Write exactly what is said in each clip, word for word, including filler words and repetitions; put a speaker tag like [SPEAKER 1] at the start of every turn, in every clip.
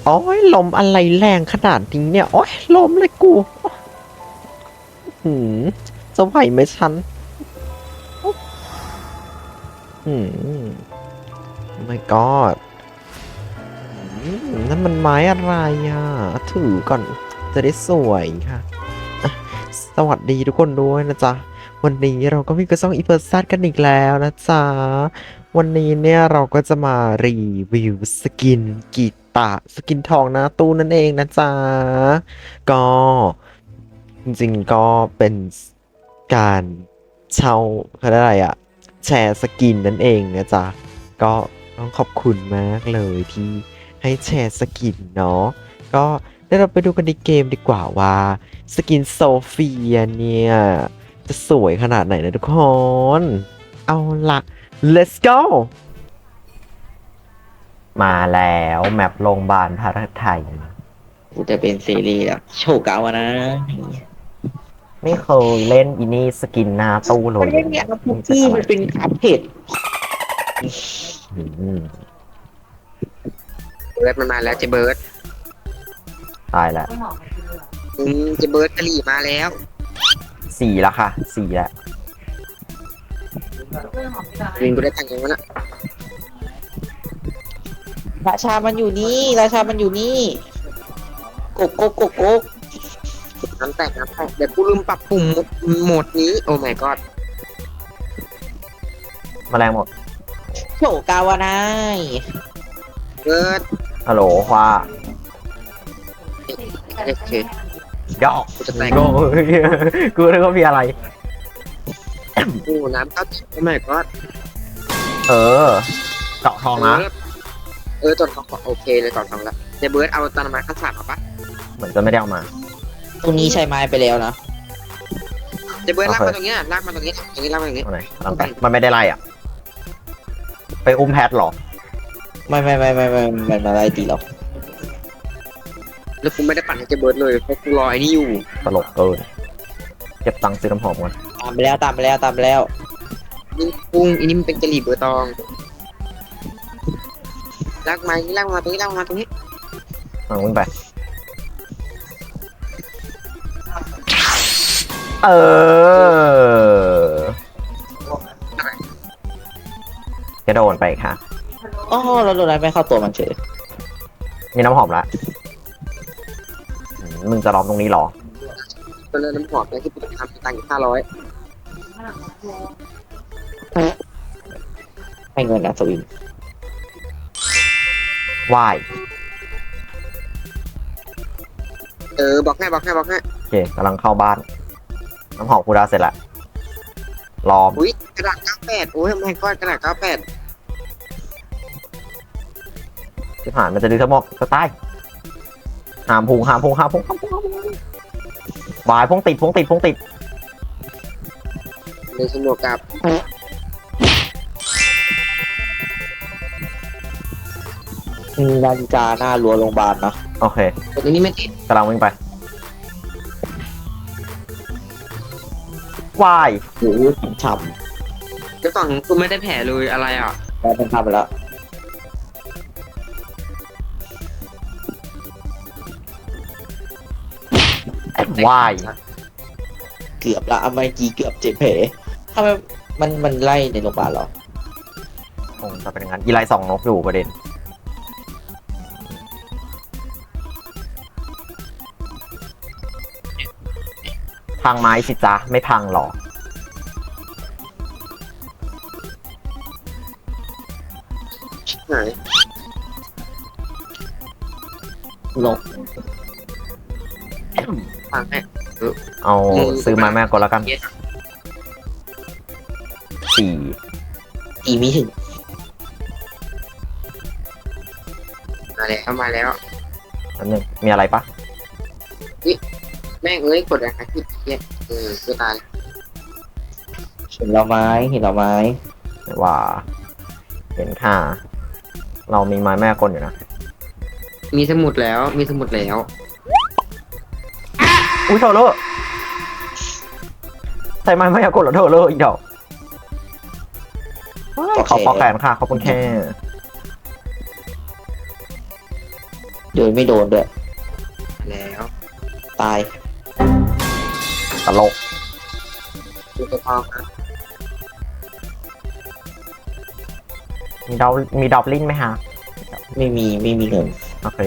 [SPEAKER 1] โอ้ยลมอะไรแรงขนาดนี้เนี่ยโอ้ยลมเลยกูหืมจะไหวไหมฉันหืม my god อืมนั่นมันไม้อะไรอ่ะถือก่อนจะได้สวยค่ะอ่ะสวัสดีทุกคนด้วยนะจ๊ะวันนี้เราก็มีกระซ่องอีเพิร์ซัดกันอีกแล้วนะจ๊ะวันนี้เนี่ยเราก็จะมารีวิวสกินกีตาสกินทองหน้าตู้นั่นเองนะจ๊ะก็จริงๆก็เป็นการเช่าเขาเรียกอะไรอะแชร์สกินนั่นเองนะจ๊ะก็ต้องขอบคุณมากเลยที่ให้แชร์สกินเนาะก็เดี๋ยวเราไปดูกันในเกมดีกว่าว่าสกินโซเฟียเนี่ยจะสวยขนาดไหนนะทุกคน เอาละ let's go มาแล้วแมปโรงพยาบาลพระไทย
[SPEAKER 2] กูจะเป็นซีรีส์แบบโชว์เก่าอะนะ
[SPEAKER 1] ไม่เคยเล่นอินี่สกินหน้าตู้เล
[SPEAKER 2] มัน
[SPEAKER 1] ย
[SPEAKER 2] ไม่เนี่ยพุกกี้มันเป็นอัปเดต
[SPEAKER 1] อืม
[SPEAKER 3] เบิร์ดมันมาแล้วเจเบิร์ด
[SPEAKER 1] ตายแล้ว
[SPEAKER 3] อืมเจเบิร์ดกะหรี่มาแล้ว
[SPEAKER 1] สี่ละค่ะสี่ละ
[SPEAKER 3] วินกูได้ตังค์ยังวะน่ะ
[SPEAKER 2] ราชามันอยู่นี่ราชามันอยู่นี่กกกกกกก
[SPEAKER 3] น้ำแตกน้ำแตกเดี๋ยวกูลืมปรับปุ่มโหมดนี้โอ้ my god
[SPEAKER 1] แมลงหมด
[SPEAKER 2] โชว์เก่าอะนะ
[SPEAKER 3] เบิร์ด
[SPEAKER 1] ฮัลโหลว่า
[SPEAKER 3] โอเค
[SPEAKER 1] ย่อ
[SPEAKER 3] กูจะแตก
[SPEAKER 1] กูกูนึกว่ามีอะไร
[SPEAKER 3] โอ้น้ำเข้าติดโอ้ my god
[SPEAKER 1] เออเจาะทองนะ
[SPEAKER 3] เออตอนทองโอเคเลยตอนทองแล้วเจเบิร์ดเอาตอนมาขั้นสามมาปะ
[SPEAKER 1] เหมือนจะไม่ได้เอามา
[SPEAKER 2] ตรงนี้ใช้ไม้ไปแล้วนะ
[SPEAKER 3] เจเบิร์ดลากมาตรงนี้ลากมาตรงนี้ตรงนี้ลากมาตรงนี้
[SPEAKER 1] เอาไหนลองไปมันไม่ได้ไล่อ่ะ ไปอุ้มแพทหรอ
[SPEAKER 2] ไม่ไม่ไม่ไม่ไม่มันมาไล่ตีเรา
[SPEAKER 3] แล้วกูไม่ได้ปั่นให้เจเบิร์ดเลยเพราะกูรอไอ้นี่อยู่
[SPEAKER 1] ตลกเกิน เก็บตังค์ซื้อน้ำหอมก่อน
[SPEAKER 2] ตามไปแล้วตามไปแล้วตามไปแล้ว
[SPEAKER 3] นี่กุ้งอันนี้มันเป็นกะหรี่เบอร์ตองลากมานี่ลากมาตรงนี้ลากมาตรงนี้
[SPEAKER 1] เอาวิ่งไป เออกระโดดไปค่ะ
[SPEAKER 2] อ๋อเราโดนอะไรไม่เข้าตัวมันเฉย
[SPEAKER 1] มีน้ำหอมละอืมมึงจะล้อมตรงนี้เหรอ
[SPEAKER 3] ตัวเลือน้ำหอมเนี่ยที่กูทำตังค์อยู่ห้าร้อย
[SPEAKER 2] ให้เงินอัศวิน
[SPEAKER 1] ว่าย
[SPEAKER 3] เออบอกให้บอกให้บอกให้
[SPEAKER 1] โอเคกำลังเข้าบ้าน น้ำหอมกูได้เสร็จละล้อม
[SPEAKER 3] อุ้ยกระดาษเก้าแปดโอ้ยไม่ก้อนกระดาษเก้าแปด
[SPEAKER 1] ที่ผ่านมันจะดึงทั้งหมดสไตล์หามพุงหามพุงหามพุงหามพุงหามพุงวายพุงติดพุงติดพุงติด
[SPEAKER 3] ในสนุกกับ
[SPEAKER 2] มีนาฬิกาหน้ารั้วโรงพยาบาลนะ
[SPEAKER 1] โอเค
[SPEAKER 3] ตัวนี้ไม่ติด
[SPEAKER 1] กำลังวิ่งไปวาย
[SPEAKER 2] โอ้โหฉ่
[SPEAKER 3] เจ้าของกูไม่ได้แผลเลยอะไรอ่ะ
[SPEAKER 2] ำแล้วเป็นทำไปแล้ว
[SPEAKER 1] วาย
[SPEAKER 2] เกือบละเอาไมจีเกือบเจ็บแผลทำไมมันมันไล่ในโรงพยาบาลเหรอ
[SPEAKER 1] คงจะเป็นอย่างนั้นอีไลสองนกอยู่ประเด็นพังไม้สิจ๊ะไม่พังหรอ
[SPEAKER 3] หาย
[SPEAKER 2] ลง
[SPEAKER 3] ฟังให้
[SPEAKER 1] เอาซื้อมาแม่ก็แล้วกันสี่
[SPEAKER 2] อีมีถึง
[SPEAKER 3] มาแล้วมาแล้ว
[SPEAKER 1] อันนึงมีอะไรปะ
[SPEAKER 3] แม่งเอ้ยกดอะไรที่เหี้ยเออกูตาย
[SPEAKER 2] เห็นเราไม้เห็นเราไม้
[SPEAKER 1] ไม่ว่า เห็นค่า เรามีไม้แม่กลอยู่นะ
[SPEAKER 3] มีสมุดแล้วมีสมุดแล้ว
[SPEAKER 1] อุ้ยเธอเลอใส่ไม้แม่กลเหรอเธอเลออีกดอกขอขอแขนค่ะขอบคุณแค่
[SPEAKER 2] โดยไม่โดนด้วย
[SPEAKER 3] แล้ว
[SPEAKER 2] ตาย
[SPEAKER 1] ตลก
[SPEAKER 3] ดูตัวพอครับ
[SPEAKER 1] มีดอลมีดอบลินไหมฮะ
[SPEAKER 2] ไม่มีไม่มีเงิน
[SPEAKER 1] โอเค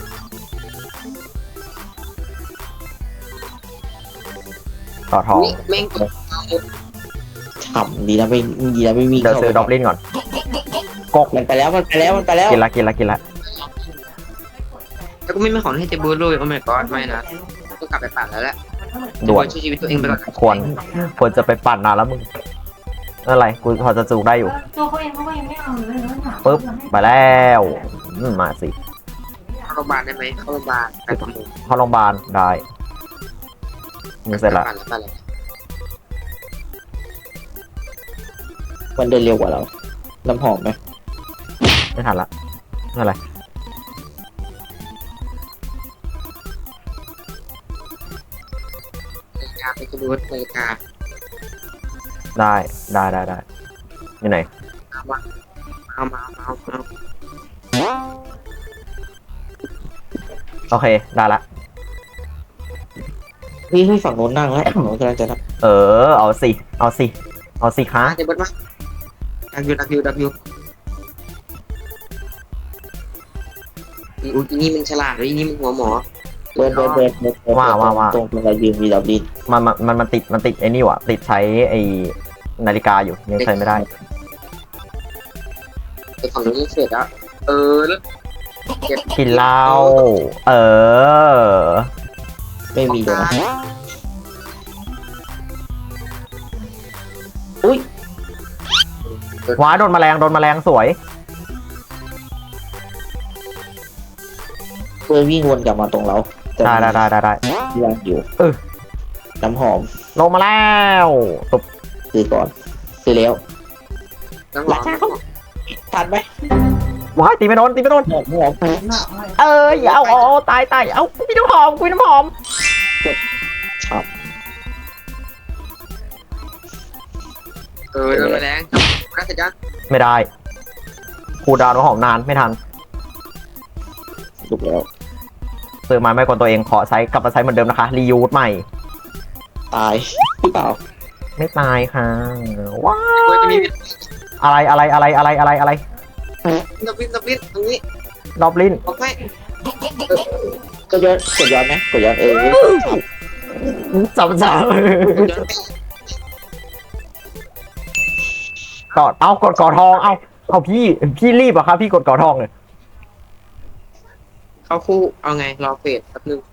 [SPEAKER 1] ต่อทอง
[SPEAKER 3] นี่แม่งกด
[SPEAKER 2] ฉ่ำดีนะไม่ดีนะไม่มี
[SPEAKER 1] เดี๋ยวซื้อดอบลินก่อนกก
[SPEAKER 2] มันไปแล้วมันไปแล้วมันไปแล้ว
[SPEAKER 1] กินละกินละกินละ
[SPEAKER 3] แล้วก็ไม่มีของให้เจบูเลยโอ้ my god ไม่นะต้องกลับไปปั่นแล้วแหละ
[SPEAKER 1] ด่วน
[SPEAKER 3] ช่วยชีวิตตัวเองไปก่อน
[SPEAKER 1] ควรควรจะไปปั่นนานแล้วมึงไม่เป็นไรกูพอจะจูกได้อยู่
[SPEAKER 4] ตัวเขาเองเขาก็ยังไม่เอาเลยแล้วถาม
[SPEAKER 1] ปึ๊บไปแล้วอืมมาสิ
[SPEAKER 3] เข้าโรงพยาบาลได้ไหมเข้าโรงพยาบาลไปประมูล
[SPEAKER 1] เข้าโรงพยาบาลได้มึงเสร็จละ
[SPEAKER 3] ปั่นแล้วปั่นแล้ว
[SPEAKER 2] มันเดินเร็วกว่าเราน้ำหอมไหม
[SPEAKER 1] ไม่ทันละไม่เป็นไร
[SPEAKER 3] นาฬิกาไปเจบูนาฬิกา
[SPEAKER 1] ได้ได้ได้ได้อยู่ไหน
[SPEAKER 3] เอามาเอามาเอามาเอา
[SPEAKER 1] โอเคได้ละ
[SPEAKER 2] เฮ้ยเฮ้ยฝั่งโน้นนั่งแล้วฝั่งโน้นกำลังจะนั่ง
[SPEAKER 1] เออเอาสิเอาสิเอาสิคะ
[SPEAKER 3] เจบูมาดักยูดักยูดักยูอีอีนี่มันฉลาดเลยอีนี่มันหัวหมอ
[SPEAKER 2] เบิร์ดเบิร์ดเบิร์ดเบิร์ดเบิร์ด
[SPEAKER 1] ว่าว่าว่า
[SPEAKER 2] ตรงตรงเรายืนมีดับดิน
[SPEAKER 1] มันมันมันมันติดมันติดไอ้นี่ว่ะติดใช้ไอ้นาฬิกาอยู่ยังใช้ไม่ได้
[SPEAKER 3] ไอ้ฝั่งนู้นยังเสร็จแล้วเออแล้วเก็บ
[SPEAKER 1] กินเหล้าเออ
[SPEAKER 2] ไม่มีเลยนะอุ้ย
[SPEAKER 1] ว้าโดนแมลงโดนแมลงสวย
[SPEAKER 2] เพื่อนวิ่งวนกลับมาตรงเราแต่
[SPEAKER 1] ได้ได้ได้ได้ได้
[SPEAKER 2] ยังอยู่
[SPEAKER 1] เออ
[SPEAKER 2] น้ำหอม
[SPEAKER 1] ลงมาแล้วตบ
[SPEAKER 2] ซื้อก่อนซื้อแล้ว
[SPEAKER 3] น้ำหอม
[SPEAKER 2] ทันไหม
[SPEAKER 1] ว้ายตีไม่โดนตีไม่โดน
[SPEAKER 2] หอมหอม
[SPEAKER 1] เอออย่าเอาเอาเอาตายตายเอาพี่น้ำหอมคุยน้ำหอม
[SPEAKER 2] ฉ่
[SPEAKER 3] เออโดนแมลงน่าเสร็จยัง
[SPEAKER 1] ไม่ได้คูลดาวน์น้ำหอมนานไม่ทัน
[SPEAKER 2] ำถูกแล้ว
[SPEAKER 1] ซื้อมาไม่กวนตัวเองขอใช้กลับมาใช้เหมือนเดิมนะคะรียูสใหม่
[SPEAKER 2] ตายหรือเปล่า
[SPEAKER 1] ไม่ตายค่ะว้า
[SPEAKER 3] เฮ้ยจะมี
[SPEAKER 1] อะไรอะไรอะไรอะไรอะไรอะไร
[SPEAKER 3] นับวินนับวินตรงนี้
[SPEAKER 1] ดอบลิน
[SPEAKER 3] บอกให้
[SPEAKER 2] กดย้อนกดย้อนไหมกดย้อนเออฉ่ำ
[SPEAKER 1] จับจับ
[SPEAKER 3] ย้อนไป
[SPEAKER 1] กอดเอากดกอดทองเอาเอาพี่พี่รีบอะครับพี่กดกอดทองเลย
[SPEAKER 3] เข้าคู่เอาไงรอเฟสแป๊บนึง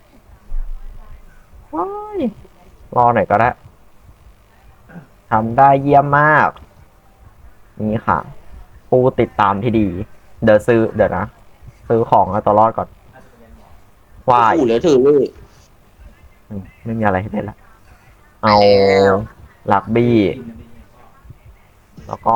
[SPEAKER 1] ว้ายรอหน่อยก็ได้ทำได้เยี่ยมมาก นี่ค่ะ ผู้ติดตามที่ดี เดี๋ยวซื้อเดี๋ยวนะ ซื้อของเอาตัวรอดก่อนวาย
[SPEAKER 2] คู่เหลือถือเลย
[SPEAKER 1] อืมไม่มีอะไรให้เล่นละเอาลักบี้ แล้วก็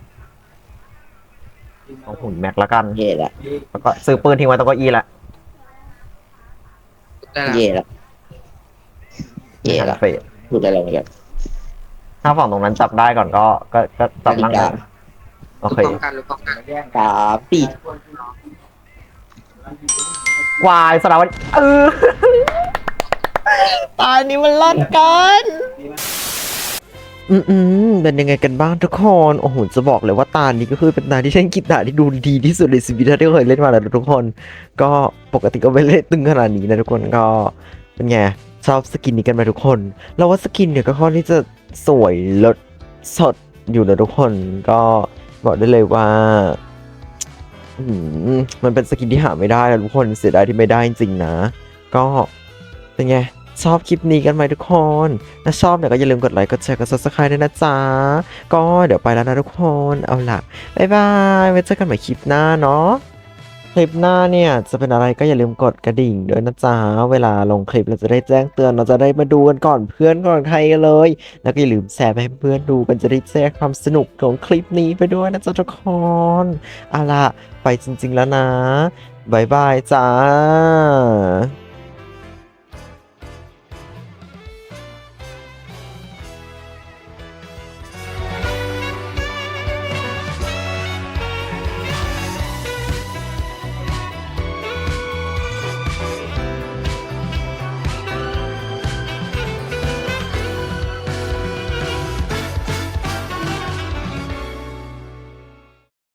[SPEAKER 1] เอาหุ่นแม็กละกัน
[SPEAKER 2] เย่ละ
[SPEAKER 1] แล้วก็ซื้อปืนทิ้งไว้ตรงเก้าอี้ละ
[SPEAKER 3] ได้ละ
[SPEAKER 2] เย่ละเย่ละ
[SPEAKER 1] เฟส
[SPEAKER 2] พูดอะไรเหมือนกัน
[SPEAKER 1] ถ้าฝั่งตรงนั้นจับได้ก่อนก็ ก็ก็จับนั่งได้โอเค
[SPEAKER 3] ป้องกันหรือป้องกัน
[SPEAKER 2] สามปี
[SPEAKER 1] วายสารวัตรเออ ตายนี้มันลัดกันอืมอืมเป็นยังไงกันบ้างทุกคนโอ้โหจะบอกเลยว่าตานี้ก็คือเป็นตาที่ฉันคิดตาที่ดูดีที่สุดในชีวิตที่เคยเล่นมาแล้วนะทุกคน ก็ปกติก็ไม่เล่นตึงขนาดนี้นะทุกคนก็เป็นไงชอบสกินนี้กันไหมทุกคนเราว่าสกินเนี่ยก็ค่อนที่จะสวยเลิศสดอยู่นะทุกคนก็บอกได้เลยว่า อืมมันเป็นสกินที่หาไม่ได้นะทุกคนเสียดายที่ไม่ได้จริงๆนะ ก็เป็นไงชอบคลิปนี้กันไหมทุกคนถ้าชอบเนี่ยก็อย่าลืมกดไลค์กดแชร์กด ซับสไครบ์ ด้วยนะจ๊ะก็เดี๋ยวไปแล้วนะทุกคนเอาล่ะบ๊ายบายไว้เจอกันใหม่คลิปหน้าเนาะคลิปหน้าเนี่ยจะเป็นอะไรก็อย่าลืมกดกระดิ่งด้วยนะจ๊ะเวลาลงคลิปเราจะได้แจ้งเตือนเราจะได้มาดูกันก่อนเพื่อนก่อนใครกันเลย แล้วก็อย่าลืมแชร์ไปให้เพื่อนดูกันจะได้แชร์ความสนุกของคลิปนี้ไปด้วยนะจ๊ะทุกคนเอาล่ะไปจริงๆแล้วนะ บ๊ายบายจ้า